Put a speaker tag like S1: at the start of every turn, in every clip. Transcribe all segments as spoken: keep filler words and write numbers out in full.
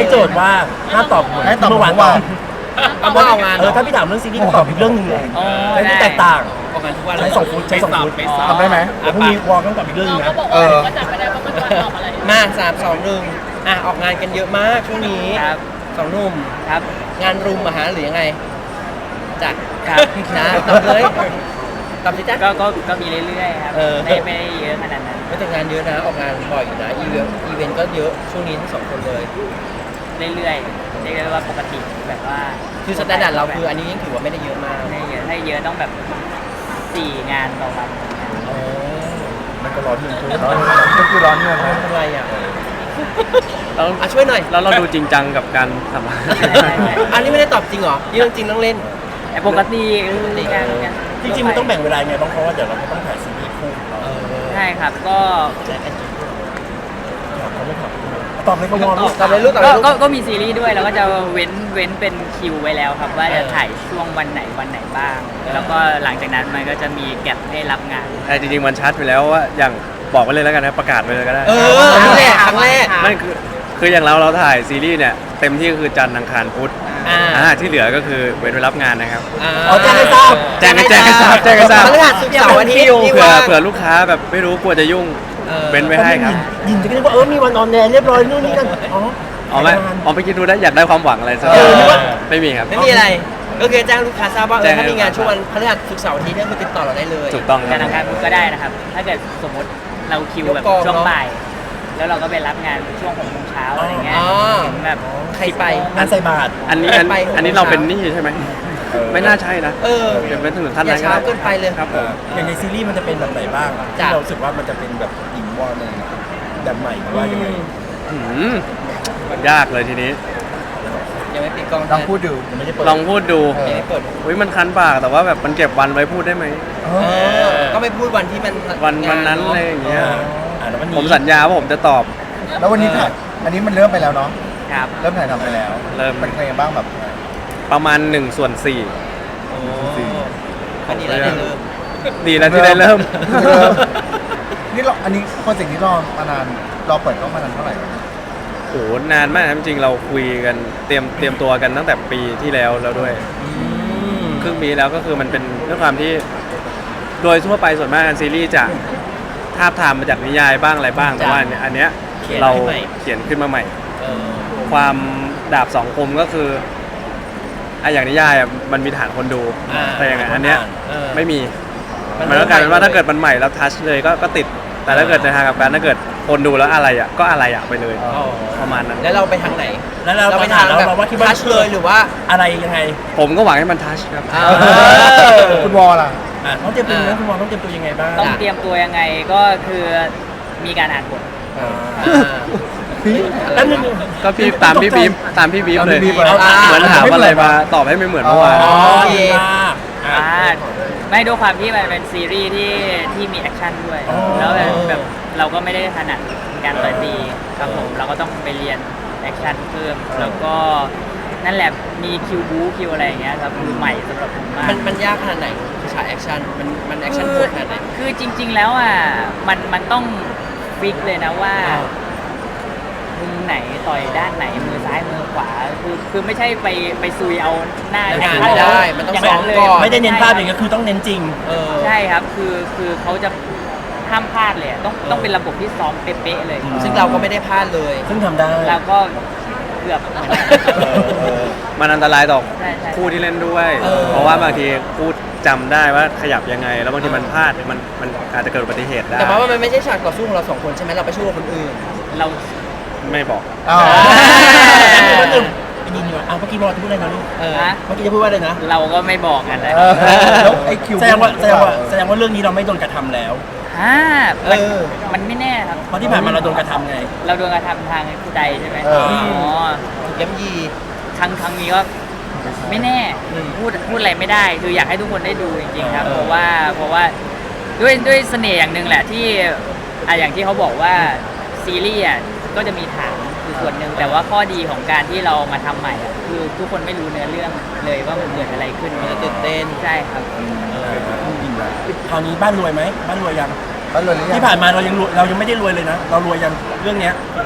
S1: ให้โจทย์ว่าห้ามตอบเหมือน
S2: ให้ตอบ
S1: เมื่อวาน
S2: เมื่อวาน
S3: เอาว่าเอางาน
S1: เออถ้าพี่ถามเรื่องซีรีส์ก็ตอบอีกเรื่องหนึงเลย
S4: อ๋อ
S1: ใช้ที่แตกต่าง
S3: ออกงานทุกวัน
S1: ใช้สองฟุตใช้สองฟุต
S3: ไปสอบ
S2: ทำได้ไหม
S1: เดี๋ยวพรุ่งนี้วอลต้องตอบอีกเรื่องหนึง
S5: เรา
S1: นะ
S5: ก็บอก
S2: เอ
S5: ว่า
S2: อ
S5: ก็จับไม่ได้เพราะมันตอบอะไร
S3: มาสามสองหนึ่งอ่ะออกงานกันเยอะมากช่วงนี้
S4: ครับ
S3: สองหนุ่ม
S4: ครับ
S3: งานรุมมาหาหรือยังไงจ้ะ
S4: ครับ
S3: นะตอบเลยตอบสิจ้ะ
S4: ก็ก็ก็มีเรื่อยๆครับ
S3: เออ
S4: ไม่ไม่ได้เยอะขนาดนั้น
S3: ไม่แต่งานเยอะนะออกงานบ่อยอยู่นะอีเวนต์อีเวนต์ก็เยอะช่วงนี้ทั้งสองคนเลย
S4: เรื่อยๆเรียกได้ว่าปกติแบบว่า
S3: คือสแตนดาร์ดเราคืออันนี้ยังถือว่าไม่ได้เยอะมาก
S4: ไม่ได้เยอะถ้าเยอะต้องแบบสี่งานต่อวัน
S3: อ๋อ
S2: มันก็ร้อนเงินคือก็คือร้อนเงินนะ
S3: ทำไรอ่ะ
S6: เรา
S3: อ่ะช่วยหน่อย
S6: แล้วเราดูจริงจังกับการทำงาน
S3: อันนี้ไม่ได้ตอบจริงเหรอนี่เรื่องจริงเรื่องเล่น
S4: แต่ปกติคือการงาน
S1: จริงๆมันต้องแบ่งเวลาไงบ้างเพราะว่าเดี๋ยวเราก็ต้องถ่ายซีรีส์คู่ของเรา
S3: เออ
S4: ใช่ครับก็
S3: แจกกันจริง
S1: ถามเขาไม่ถามตอบเลยก็วอล
S3: ตอบเลยลูกตอบเล
S4: ก็
S3: ยลูก
S4: ก็ก็มีซีรีส์ด้วยแล้วก็จะเว้นเว้นเป็นคิวไว้แล้วครับ ว่าจะ
S3: เออ
S4: ถ่ายช่วงวันไหนวันไหนบ้าง
S3: เออ
S4: แล้วก็หลังจากนั้นมันก็จะมีแก็บให้รับงาน
S6: แต่จริงๆมันชัดไปแล้วว่าอย่างบอกไว้เลยแล้วกันนะประกาศไปเลยก็ได้
S3: เออครั้งแรกครั้งแรก
S6: ไม่คือคืออย่างเราเราถ่ายซีรีส์เนี่ยเต็มที่ก็คือจันทร์อังคารพุธ
S3: อ่า
S6: อ่าที่เหลือก็คือเว้นไว้รับงานนะครับ
S1: อ๋อแจ้งให้ทราบ
S6: แจ้งให้แจ้งให้ทราบแจ้งให้ทราบ
S3: พฤหัสศุกร์เสาร์อาทิตย์ที่
S6: เผื่อ
S3: ว่าง
S6: เผื่อลูกค้าแบบไม่รู้กลัวจะยุ่ง
S3: เออ
S6: เว้นไว้ให้ครับ
S1: ยินจะคิดว่าเออมีวันออนแอร์เรียบร้อยนู่นนี่นั่นอ๋อ
S6: อ๋อไม่อ๋อไปคิดดูได้อยากได้ความหวังอะไรสัก
S3: เออ
S6: ไม่มีครับ
S3: ไม่มีอะไร ก็คือแจ้งลูกค้าทราบว่าเอ
S6: แจ้
S3: อง
S6: ให้
S3: ถ้ามีงานช่วงวันพฤหัสศุกร์เสาร์อาทิตย์เนี่ยคือติดต่อเราได้เลย
S6: ถูกต้องค
S4: กา
S6: รั
S4: ร
S6: บ
S4: ทำงานพุธก็ได้นะครับ ถ้าเกิดสมมติเราคิวแบบ
S3: ยกกอง
S4: ช่วง
S3: เนอะ
S4: บ่าย แล้วเราก็ไปรับงานช่วงหกโมงเช้าอะไรเงี้ย
S3: อ๋อ
S4: ถึงแบบ
S3: ใครไป
S1: งานใส่บาตร
S6: อันนี้อัน
S3: ไป
S6: อันนี้เราเป็นหนี้ใช่ไหมไม่น่าใช่นะ
S3: เออ
S6: เป็นเป็นถึงขั้น
S3: อย่า
S6: นั้นก็
S3: ช้า
S6: ได้
S3: เกินไปเลย
S6: ครับผม
S1: อย่างในซีรีส์มันจะเป็นแบบไหนบ้างที่
S3: จ้ะ
S1: เรารู้สึกว่ามันจะเป็นแบบหญิงวอลในแบบใหม่หรือว่ายังไง
S6: อืมยากเลยทีนี้
S3: ยังไม่ปิดกล้อง
S2: ลองพูดดู
S1: ยังไม่ได้เปิด
S6: ลองพูดดู
S2: เออ
S3: ยังไม่เปิด
S6: อุ้ยมันคันปากแต่ว่าแบบมันเก็บวันไว้พูดได้ไหม
S2: เอ
S3: เอ
S2: อ
S3: อก็ไม่พูดวันที่มัน
S6: วันวันนั้น
S3: งา
S6: อะไร
S3: เะ
S6: อย่างเงี้ย
S1: อ่าแล้ววันนี้
S6: ผมสัญญาว่าผมจะตอบ
S2: แล้ววันนี้ถ่ายอันนี้มันเริ่มไปแล้วเนาะ
S4: ครับ
S2: เริ่มถ่ายทำไปแล้ว
S6: เริ่ม
S2: เป็นใครบ้างแบบ
S6: ประมาณหนึ่งส่วนสี่
S3: โอ้ก็ดีแล้วได้เริ่ม
S6: ดีแล้วที่ได้เริ่ม
S2: เริ่ม นี่เราอันนี้โปรเจกต์นี้รอมานานรอเปิดกล้องมานานเท่าไหร่
S6: โอ้โหนานมากนะจริงๆเราคุยกันเตรียมเตรียมตัวกันตั้งแต่ปีที่แล้วแล้วด้วย
S3: อืม
S6: ครึ่งปีแล้วก็คือมันเป็นด้วยความที่ โดยทั่วไปส่วนมากซีรีส์จะทาบทามมาจากนิยายบ้างอะไรบ้างแต่ว่าอันเนี้ยอันเนี้ยเราเขียนขึ้นมาใหม่
S3: เออ
S6: ความดาบสองคมก็คืออะอย่างนิยายอะมันมีฐานคนดู
S3: อ่า
S6: แต่อย่างอันเนี้ย
S3: เออ
S6: ไม่มี
S3: มัน
S6: มันก็กลายเป็นว่า
S3: เริ่มใหม่
S6: ถ้าเกิดมันใหม่แล้วทัชเลยก็ก็ติด แต่ถ้าเกิดในทางกลับกันถ้าเกิดคนดูแล้วอะไรอ่ะก็อะไรอ่ะไปเลย
S3: อ๋อ
S6: ประมาณนั้น
S3: แล้วเราไปทางไหน
S1: แล้วเรา
S3: ไป
S1: ไปถามเราเราว่าคิดว่า
S3: ทัชเลยหรือว่า
S1: อะไรยังไง
S6: ผมก็หวังให้มันทัชครับ
S3: อ่า
S2: คุณวอลล่ะ
S1: อ่ะต้องเตรียมตัวยังไงคุณวอลต้องเตรียมตัวยังไงบ้าง
S4: ต้องเตรียมตัวยังไงก็คือมีการอ่านบท
S1: อ่า
S3: อ่า
S1: แล้วนึง
S6: ก็พี่ตามพี่บีฟตามพี่บีฟเลย
S2: ตามพี่บีฟ
S3: เอา
S6: เหมือนถามอะไรมาตอบให้ไม่เหมือนเมื่อวาน
S3: อ๋อ
S1: อ๋อ
S3: โอเค
S1: ดีมากอ่ะ
S4: อ่าไม่ด้วยความที่มันเป็นซีรีส์ที่ที่มีแอคชั่นด้วย
S1: อ๋อ
S4: แล้วแบบแบบเราก็ไม่ได้ถนัดการต่อยตีครับผมเราก็ต้องไปเรียนแอคชั่นเพิ่ม แล้วก็นั่นแหละมีคิวบู๊คิวอะไรอย่างเงี้ยครับคือใหม่สำหรับผมมาก
S3: มันมันยากขนาดไหนฉากแอคชั่นมันมันแอคชั่นโหดขนาดไหน
S4: คือจริง ๆ แล้วอ่ะมันมันต้องฟิกเลยนะว่า
S3: อ่า
S4: มุมไหนต่อยด้านไหนมือซ้ายมือขวาคือคือไม่ใช่ไปไปซุยเอาหน้า
S3: ไม่
S4: แอค
S3: ได้
S4: ชั่นแล้ว
S3: ได้มันต้อง
S4: ย่า
S3: ซ้อม
S4: เลย
S3: ก่อน
S1: ไม่ได้เน้นภาพอย่างเงี้ยคือต้องเน้นจริง
S3: เออ
S4: ใช่ครับคือคือเขาจะห้ามพลาดเลยอะต้องต้องเป็นระบบที่ซ้อมเป๊ะๆเลย
S1: อืม
S3: ซึ่งเราก็ไม่ได้พลาดเลย
S1: ซึ่งทำได้
S4: เราก็เกือบเหมือนกัน
S1: เออ
S6: มันอันตรายต่อ
S4: ใช่ใช่
S6: คู่ที่เล่นด้วย
S3: เออ
S6: เพราะว่าบางทีคู่จำได้ว่าขยับยังไง แล้วบางทีมันพลาดมันมันอาจจะเกิดอุบัติเหตุได้
S3: แต่ว่ามันไม่ใช่ฉากต่อสู้ของเราสองคนใช่ไหมเราไปสู้กับคนอื่น
S4: เรา
S6: ไม่บอก
S2: อ้าว
S1: แป๊บนึงไปยินดีกว่าอ่ะเมื่อกี้บอกจะพูดอะไรนะลูก
S3: เออ
S4: ฮะ
S1: เมื่อกี้จะพูดว่าอะไรนะ
S4: เราก็ไม่บอกกันเลย
S2: เออแล้วไอคิว
S1: แสดงว่าแสดงว่าแสดงว่าเรื่องนี้เราไม่โดนกระทำแล้ว
S4: ฮ่า
S3: เอ
S4: มัน
S3: อ
S4: มันไม่แน่ครับ
S1: เพราะที่ผ่านมาเราโดนกระทำไง
S4: เราโดนกระทำทางผู้ใดใช่ไหม
S2: เออ
S4: อ๋อ
S3: ถูกย้ำยี
S4: ครั้งครั้งนี้ก็ไม่แน่
S3: อืม
S4: พูดพูดอะไรไม่ได้ คืออยากให้ทุกคนได้ดูจริงๆครับ
S3: เออ
S4: เพราะว่าเพราะว่าด้วยด้วยเสน่ห์อย่างหนึ่งแหละที่อ่ะอย่างที่เขาบอกว่าซีรีส์อ่ะก็จะมีฐานคือส่วนหนึ่งแต่ว่าข้อดีของการที่เรามาทำใหม่อ่ะคือทุกคนไม่รู้เนื้อเรื่องเลยว่ามันเกิดอะไรขึ้น
S3: มันจะตื่นเต้น
S4: ใช่ครับ
S1: คราวนี้บ้านรวยไหมบ้านรวยยัง
S2: บ้านรวยหรือยัง
S1: ที่ผ่านมาเรายังรวยเรายังไม่ได้รวยเลยนะ เรารวยยังเรื่องเนี้ย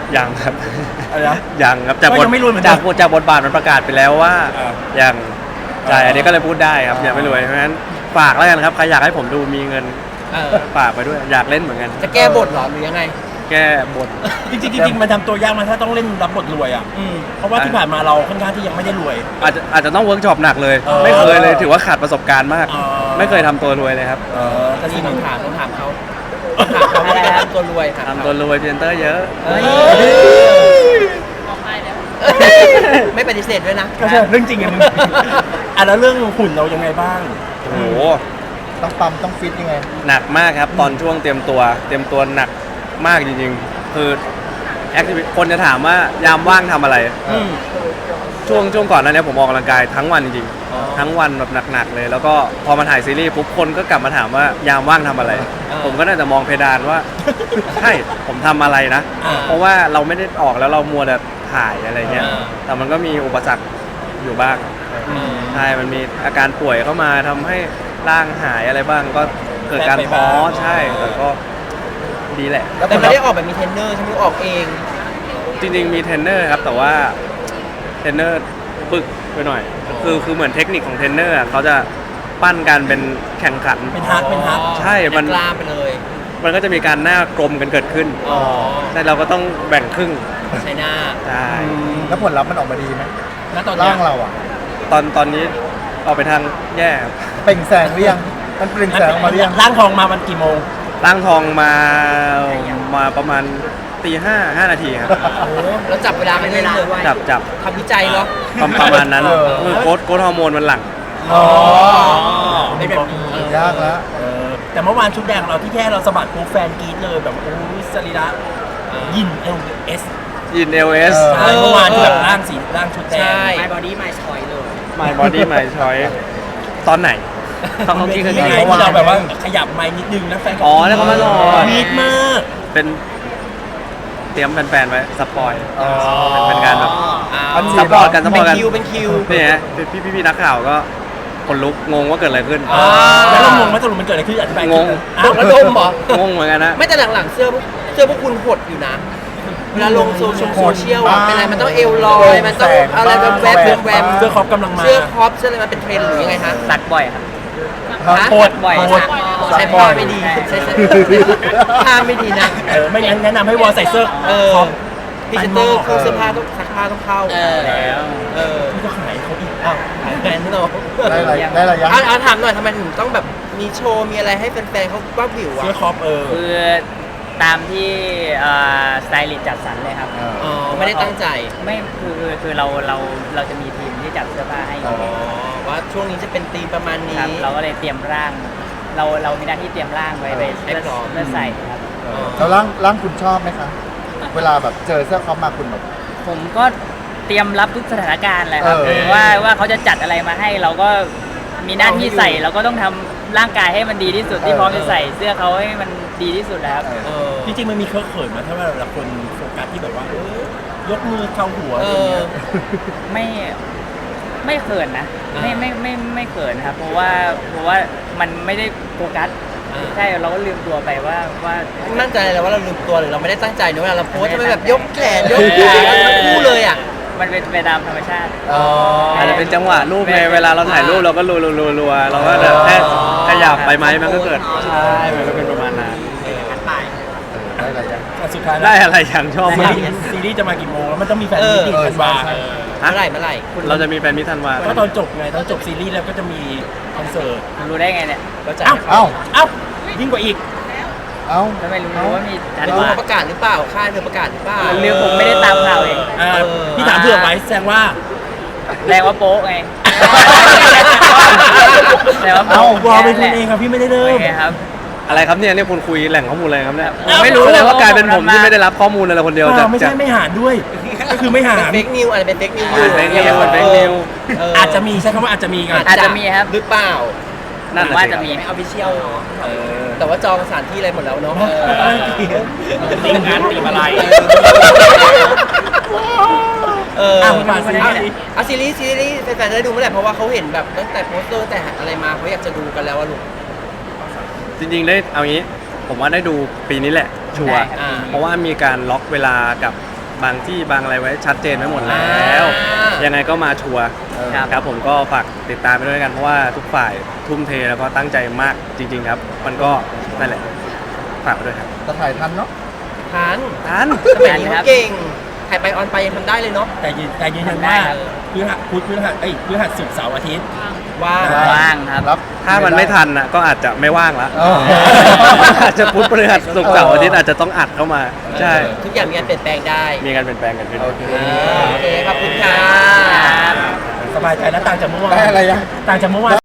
S6: ยังครับ
S1: อะไรนะ
S6: ยังครับจาก
S1: ก็
S6: บท
S1: ยังไม่รวยเหมือนเดิ
S6: จาม กจากบทบาทมันประกาศไปแล้วว่า
S1: อ่า
S6: ยังใช่
S1: อ่า
S6: อันนี้ก็เลยพูดได้ครับ
S1: อ่ายั
S6: ยังไม่รวยเพราะฉะนั้นฝากแล้วกันครับใครอยากให้ผมดูมีเงิน
S3: เออ
S6: ฝากไปด้วยอยากเล่นเหมือนกัน
S3: จะแก้บทเหรอหรือยังไง
S6: แก้บท
S1: จริงๆจริงๆมันทำตัวยากมาถ้าต้องเล่นรับบทรวยอ่ะ
S3: อืม
S1: เพราะว่าที่ผ่านมาเราค่อนข้างที่ยังไม่ได้รวย
S6: อาจจะอาจจะต้องเวิร์กช็อปหนักเลย
S1: เออ
S6: ไม่เคยเลยถือว่าขาดประสบการณ์มาก
S1: อ๋อ
S6: ไม่เคยทำตัวรวยเลยครับ
S1: เออแต่
S3: นี่
S1: สิ่ง
S3: ต้องถามต้องถามเขาต้องถามเขาว่าจะทำตัวรวยถาม
S6: ทำ
S3: เขา
S6: ตัวรวยพรีเซนเตอร์เยอะ
S3: เฮ้ยไม่ปฏิเสธด้วยนะ
S1: ก็ใช่เรื่องจริงไงมึงอ่ะแล้วเรื่องหุ่นเรายังไงบ้าง
S6: โอ้โห
S2: ต้องปั๊มต้องฟิตยังไง
S6: หนักมากครับตอนช่วงเตรียมตัวเตรียมตัวหนักมากจริงๆ คือแอคทิวิคนจะถามว่ายามว่างทำอะไร
S1: อืม
S6: ช่วงช่วงก่อนหนั้นเนี่ยผมออกกำลังกายทั้งวันจริง
S3: อ๋อ
S6: ๆ ทั้งวันแบบหนักๆเลย แล้วก็พอมาถ่ายซีรีส์ปุ๊บคนก็กลับมาถามว่ายามว่างทำอะไร ผมก็น่าจะมองเพดานว่า ใช่ผมทำอะไรนะ
S1: อ่า
S6: เพราะว่าเราไม่ได้ออกแล้วเรามัวแต่ถ่ายอะไรเงี้ย
S3: อ่า
S6: แต่มันก็มีอุปสรรคอยู่บ้าง
S3: อืม
S6: ใช่ มันมีอาการป่วยเข้ามาทำให้ร่างหายอะไรบ้าง ก็เกิดการท้อใช่ แต่ก็ดีแหละ
S3: แต่ไม่ได้ออกแบบมีเทรนเนอร์ใช่ไหมออกเอง
S6: จริงๆมีเทรนเนอร์ครับ แต่ว่าเทรนเนอร์ปึกไปหน่อย คือคือเหมือนเทคนิคของเทรนเนอร์อะเขาจะปั้นกันเป็นแข่งขัน
S1: เป็นฮักเป็นฮัก
S6: ใช่มัน
S3: กล้ามไปเลย
S6: มันก็จะมีการหน้ากลมกันเกิดขึ้น
S3: อ๋อ
S6: ใช่เราก็ต้องแบ่งครึ่ง
S3: ใช่หน้า
S6: ใช่
S2: แล้วผลลัพธ์มันออกมาดีไหม
S1: ณตอนเนี้
S2: ร่าย งเราอ่ะ
S6: ตอนตอนนี้ออกไปทางแย่ครับ
S2: เปล่งแสงหรือยังมันเปล่งแสงออกมาหรือยัง
S1: ร่างทองมาวันกี่โมง
S6: ร่างทองมามาประมาณตีห้าห้านาทีครับ
S3: โอ้แล้วจับเวลากันเล่นเลย
S6: จับจับ
S3: ทำวิจัยเหรอ
S6: ประประมาณนั้น
S2: เออ
S6: คือโค้ดโค้ดฮอร์โมนมันหลั่ง
S1: อ๋อ
S3: เป็นแบบนี้
S2: ยากแล้ว
S1: เออแต่เมื่อวานชุดแดงเราที่แค่เราสะบัดปุ๊บแฟนกรี๊ดเลยแบบโอ้ยสรีระยินเอลเอส
S6: ยินเอลเอส
S2: เอ
S1: ใช่เมื่อวานที่แบบร่างสีร่างชุดแดง
S3: ใช่
S4: My body my choice เลย
S6: My body my choice ตอนไหนตอนเขาคิดกัน
S1: ยังไง
S6: ไง
S1: ที่เราแบบว่าขยับไม้นิดนึงแล้วแฟนก็
S6: อ๋อแล้วเขามาหล่อ
S1: มีดมาก
S6: เป็นเตรียมแฟนๆไว้สปอย
S2: อ๋อ
S6: เป็นเป็นการแบบ
S3: อ้า
S2: อั
S3: วน
S2: นี้
S6: ซัพพอร์ตกันซัพพ
S3: เป็
S6: อร์ต
S3: น
S6: กัน
S3: คิวเป็นคิว
S6: นี่ฮะพี่พี่พี่นักข่าวก็คนลุกงงว่าเกิดอะไรขึ้น
S3: อ่า
S1: แล้วเรางงว่าสรุปมันเกิดอะไรขึ้นอธิบาย
S6: งง
S1: อ้าว
S3: แล้วดมเหรอ
S6: งงเหมือนกันนะ
S3: ไม่แต่หลังๆเสื้อพวกเสื้อพวกคุณหดอยู่นะ เวลาลงโซเชียลโซเชียลอะเป็นอะไรมันต้องเอวลอย มันต้องอะไรแบบแวบแวบแวบ
S1: เสื้อครอปกำลังมา
S3: เสื้อครอปเสื้ออะไรมันเป็นเทรนด์หรือยังไงฮะ
S4: ตัดบ่อยครับ
S3: ฮะ
S1: โคตร
S4: บ่อย
S1: โคตร
S3: ใช้ผ้าไม่ดีใช้ใช้ผ้าไม่ดีนะ
S1: เออไม่งั้นแนะนำให้วอลใส่เสื้อ
S3: เออ
S1: ครอป
S3: พรีเซนเตอร์เครื่องเสื้อผ้าต้องซักผ้าต้องเข้า
S4: เออแล้ว
S3: เออ
S1: ที่ก็ขายเขาอีกอ้าว
S3: ขายแบรนด์เนาะ
S2: ได้อะไรได้อะไรยัง
S3: อ่ะอ่ะถามหน่อยทำไมถึงต้องแบบมีโชว์มีอะไรให้แฟนๆเขาบ้าบิว
S1: เสื้อ
S3: อ่ะ
S1: ครอปเออ
S4: คือตามที่สไตลิสต์จัดสรรเลยครับ
S2: อ่า
S3: อ๋อไม่ได้ตั้งใจ
S4: ไม่คือคือคือเราเราเราจะมีทีมที่จัดเสื้อผ้าให้
S3: อ๋อว่าช่วงนี้จะเป็นธีมประมาณ
S4: ครั
S3: นี้
S4: บเราก็เลยเตรียมร่าง เราเรามีหน้าที่เตรียมร่างไว้ไป
S3: ให้
S4: เพื่อ
S3: พร้อม
S4: เพื่อใส่ครับ
S2: เออแล้วร่างร่างคุณชอบไหมคะ เวลาแบบเจอเสื้อคอปมาคุณแบบ
S4: ผมก็เตรียมรับทุกสถานการณ์แหละครับ
S2: เออ
S4: ว่าว่าเขาจะจัดอะไรมาให้เราก็มีหน้าที่ใส่เราก็ต้องทำร่างกายให้มันดีที่สุดที่พร้อมจะใส่เสื้อเขาให้มันดีที่สุดแล้วครับ
S3: เออ
S1: จริงๆมันมีเคอะเขินมาถ้าเวลาคนโฟกัสที่แบบว่าเออยกมือเข้าหัว
S3: เอ
S1: อะไร
S3: อ
S1: เงี้ย
S4: ไม่ไม่เขินนะ
S3: อ่า
S4: ไม่ไม่ไม่ไม่เขินครับ เพราะว่าเพราะว่ามันไม่ได้โฟกัส
S3: อ่า
S4: ใช่เราก็ลืมตัวไปว่าว่า
S3: มั่นใจเลยว่าเราลืมตัวหรือเราไม่ได้ตั้งใจเนอะเวลาเราโพสทำไมแบบยกแขนยกขาทั้งคู่เลยอ่ะ
S4: มันเป็นไปตามธรรมชาติ
S3: อ๋อ
S6: อาจจะเป็นจังหวะรูปไงเวลาเราถ่ายรูปเราก็รัวรัวรัวรัวเราก็แบบแค่ขยับไปไหมมันก็เกิดใช่มันก็เป็นประมาณนั้น
S2: ได้อะไรยัง
S1: อ่ะสุดท้าย
S6: ได้อะไรอย่างชอบ
S1: ซี
S6: มาก
S1: รีส์ซีรีส์จะมากี่โมงแล้วมันต้องมีแฟน
S3: เอ
S1: มิ
S3: อ
S1: ตติ้งกันวา
S2: เออ
S3: เมื่อไหร่เมื่อไหร่
S6: เราจะมีแฟนมิตรธันวา
S1: ก็ตอนจบไงตอนจบซีรีส์แล้วก็จะมีคอนเสิร์ต
S4: รู้ได้ไงเนี่ย
S3: ก็จะ
S1: เอ้า
S2: เอ้า
S1: เอ้ายิ่งกว่าอีก
S2: เอ้า
S4: ก็ไม่รู้ว่ามีทัน
S3: รู้
S4: วา
S3: เขาประกาศหรือเปล่าค่ายเธอประกาศหรือเปล่า
S4: เรื่องผมไม่ได้ตามข่าวเอง
S1: อ่า
S3: เออ
S1: พี่ถามเผื่อไว้แสดงว่า
S4: แรงว่าโป๊ะไงแรงว่า
S1: เอ้า
S4: โป๊ะ
S1: วอลเป็นคนเองครับพี่ไม่ได้เริ่
S4: โอ
S1: ม
S4: เคครับ
S6: อะไรครับเนี่ยเนี่ยคุณคุยแหล่งข้อมูลอะไรครับเนี่ย
S1: เอ้า
S4: ไม่รู้
S6: แสดงว่ากลายเป็นผมที่ไม่ได้รับข้อมูลเลยคนเดียว
S1: เป
S6: จา
S1: ล่าก ไม่
S6: จา
S1: ใช่
S6: ก
S1: ไม่หารด้วย ก็คือไม่หาร
S3: เป็นเฟกนิวอะไรเป็นเฟกนิว
S6: เป็น fake news เป็น fake news
S1: อาจจะมีใช้คำว่าอาจจะมีกัน
S4: อาจจะมีครับ
S3: หรือเปล่า
S6: นั่น
S4: ผม
S6: น่ะ
S4: ว่า
S6: สิ
S4: จะ
S6: ครับ
S4: มี
S3: ไม่เอาพิเชียลแต่ว่าจองสถานที่อะไรหมดแล้วเนาะ
S1: ตีงานตีอะไร
S3: เออ
S1: อ่ะมาซีรีส์
S3: อ่ะซีรีส์ซีรีส์แฟนๆจะได้ดูเมื่อไหร่เพราะว่าเขาเห็นแบบตั้งแต่โปสเตอร์แต่อะไรมาเขาอยากจะดูกันแล้วอะลูก
S6: จริงๆได้เอางี้ ผมว่าได้ดูปีนี้แหละชัวร์
S4: ได้ครับ
S3: อ่า
S6: เพราะว่ามีการล็อกเวลากับบางที่บางอะไรไว้ชัดเจนไว้หมดแล้ว ยังไงก็มาชัวร์
S4: ครับ
S6: ครับผมก็ฝากติดตามไปด้วยกันเพราะว่าทุกฝ่ายทุ่มเทแล้วก็ตั้งใจมากจริง ๆ ครับ มันก็นั่นแหละฝากไปด้วยครับ
S2: จะถ่ายทันเนาะ
S3: ทัน
S6: ทัน
S3: สมัยนี้เขาเก่งถ่ายไปออนไปยังทำได้เลยเนาะ
S1: แต่ยืนแต่ยืนยันว่าพฤหัสพุธพฤหัสเอ้ยพฤหัสศุกร์เสาร์อาทิตย์
S3: ว่า
S4: ว่างครับ
S2: รับ
S6: ถ้ามันไม่ทันนะก็อาจจะไม่ว่างละ
S2: อ๋อ
S6: อาจจะพุธพฤหัสศุกร์เสาร์อาทิตย์อาจจะต้องอัดเข้ามา ใช่
S3: ทุกอย่างมีการเปลี่ยนแปลงได้
S6: มีการเปลี่ยนแปลงกันขึ้น
S2: โอเค
S3: โอเคขอบคุณค่ะ
S1: สบายใจแล้วต่างจากเมื่อวาน
S2: ได้อะไรยัง
S1: ต่างจากเมื่อวาน